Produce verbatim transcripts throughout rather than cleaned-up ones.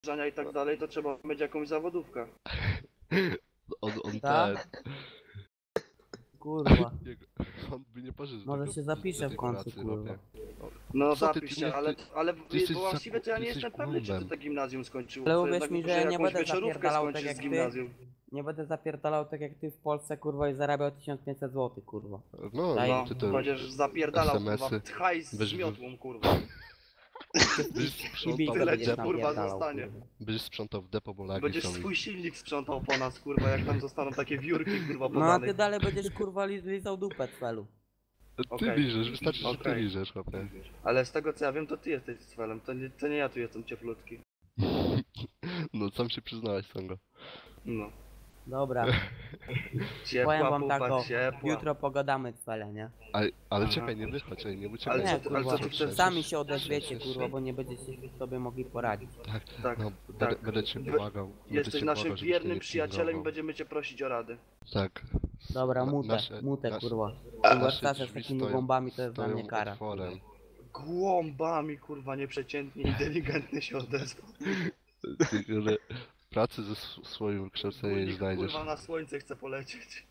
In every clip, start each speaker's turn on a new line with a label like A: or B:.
A: żania i tak dalej, to trzeba mieć jakąś zawodówkę.
B: On, on
C: Tak?
B: ten...
C: Kurwa.
B: Jego, on by nie poszedł do
C: Może
B: tego-
C: się
B: do
C: zapiszę
B: tej
C: w końcu,
B: pracy,
C: kurwa.
B: chłopie.
A: No
B: Co ty,
A: zapisz
B: ty
A: się,
B: nie-
A: ale,
B: ty-
A: ale
B: ty jesteś
A: bo właściwie to ja
B: za-
A: nie
B: ty
A: jestem
B: jesteś
A: pewny, czy ty
B: głąbem.
A: to gimnazjum skończył.
C: Ale
A: To
C: uwierz
A: jednak
C: mi,
A: może
C: że nie
A: jakąś
C: będę
A: wieczorówkę
C: zapierdalał tak
A: skończysz
C: jak
A: z
C: ty.
A: gimnazjum.
C: Nie będę zapierdalał tak jak ty w Polsce, kurwa, i zarabiał tysiąc pięćset złotych, kurwa.
B: No,
C: Daj.
A: No,
B: ty to...
A: będziesz zapierdalał, kurwa,
B: SMS-y.
A: hajs z
B: Weź-
A: miotłą, kurwa.
B: Byś
C: I
B: sprzątał
C: bigę
A: tyle
B: w
C: będziesz
A: ci,
B: depo,
A: kurwa,
C: napierdalał,
A: zostanie.
C: kurwa.
B: byś sprzątał w depo, bo lagi
A: Będziesz
B: są.
A: swój silnik sprzątał po nas, kurwa, jak tam zostaną takie wiórki, kurwa,
C: No a ty
A: podanych.
C: dalej będziesz, kurwa, li- lizał dupę cwelu.
B: Ty
A: Okej.
B: liżesz, wystarczy, że ty
A: Okej.
B: liżesz, chłopie.
A: Ale z tego co ja wiem, to ty jesteś z felem, to nie, to nie ja tu jestem ciepłutki.
B: No, sam się przyznałeś, Songo.
A: No.
C: Dobra,
A: Ciepła
C: powiem wam
A: pupa,
C: tak,
A: ciepła.
C: jutro pogadamy cwele, nie?
B: Ale, ale
A: Aha.
B: czekaj, nie wychodź, ej, nie uciekaj.
A: Ale
C: Nie,
A: co ty- ale
C: kurwa,
A: co ty chcesz?
C: sami się odezwiecie, kurwa, bo nie będziecie sobie mogli poradzić.
B: Tak,
A: Tak,
B: no,
A: tak.
B: będę, będę cię
A: Wy-
B: błagał. będę
A: Jesteś
B: cię
A: naszym
B: błagał, żebyś
A: wiernym
B: mnie nie
A: przyjacielem i
B: pilnował.
A: będziemy cię prosić o rady.
B: Tak.
C: Dobra,
B: Na-
C: mutę,
B: nasze-
C: mutę,
B: nasze-
C: kurwa.
B: nasze
C: Kurwa, starsze z
B: drzwi
C: takimi
B: stoją-
C: bombami to jest dla
B: stoją
C: mnie kara.
B: otworem.
A: Głąbami, kurwa, nieprzeciętnie inteligentny się odezwał.
B: Ty, ale pracy ze sw- swoim kształceniem nie
A: Kurnik,
B: znajdziesz.
A: kurwa, na słońce chce polecieć.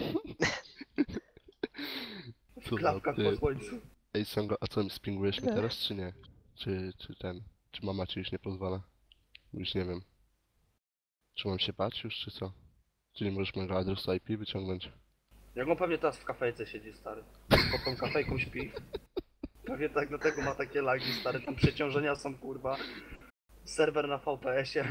B: Co za
A: Klapka
B: ty.
A: po słońcu.
B: Ej, Songo, a co, spingujesz mnie teraz, czy nie? Czy, czy ten, czy mama ci już nie pozwala? Już nie wiem. Czy mam się bać już, czy co? Czy nie możesz mojego adresu I P wyciągnąć?
A: Jak on pewnie teraz w kafejce siedzi, stary. Pod tą kafejką śpi. Pewnie tak, dlatego ma takie lagi, stary. Tam przeciążenia są, kurwa. Serwer na V P S-ie.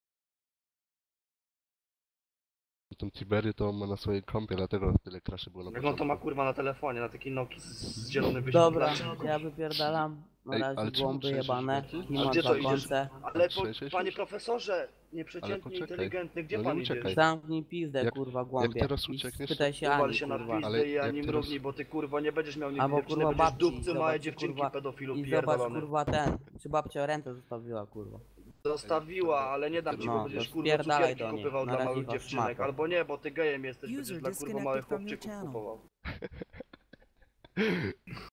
B: Tą Tiberię to on ma na swojej kompie, dlatego tyle kraszy było na
A: Jak on to
B: początku.
A: ma, kurwa, na telefonie, na taki Noki z, z zielonym
C: Dobra,
A: wyświetlaczem.
C: ja wypierdalam. Na
B: Ej,
C: razie
B: ale czemu
C: głąby
B: trzęsiesz
C: jebane.
B: się?
C: Nie
A: A
C: mam
A: gdzie
C: za
A: to idziesz?
C: końce.
A: Ale po,
B: Trzęsiesz
A: panie
B: się?
A: profesorze,
B: Ale
A: nieprzeciętnie
B: poczekaj.
A: inteligentny, gdzie
B: No nie
A: pan
B: uciekaj.
A: idzie?
C: Zamknij pizdę,
B: Jak-
C: kurwa,
B: jak
C: głąbie.
B: teraz
C: I
B: uciekniesz,
C: spytaj się
A: Uwal
C: Ani,
A: się na
C: kurwa.
A: pizdę
B: Ale
A: i
B: jak
A: ani
B: teraz-
A: mrugnij, bo ty, kurwa, nie będziesz miał nigdy
C: Albo,
A: dziewczyny,
C: kurwa,
A: będziesz
C: babci,
A: dupcy małe
C: zobacz,
A: dziewczynki
C: kurwa,
A: pedofilu
C: I zobacz,
A: pierdolony.
C: kurwa, ten. Czy babcia rentę zostawiła, kurwa.
A: Zostawiła, ale nie dam ci,
C: No,
A: bo będziesz,
C: to
A: kurwa,
C: spierdalaj
A: cukierki
C: do niej.
A: kupywał
C: Na
A: dla
C: razie
A: małych
C: was
A: dziewczynek.
C: szmato.
A: Albo nie, bo ty gejem jesteś,
D: User
A: będziesz dla, kurwa,
D: disconnected
A: małych
D: from your
A: chłopczyków
D: channel.
A: kupował.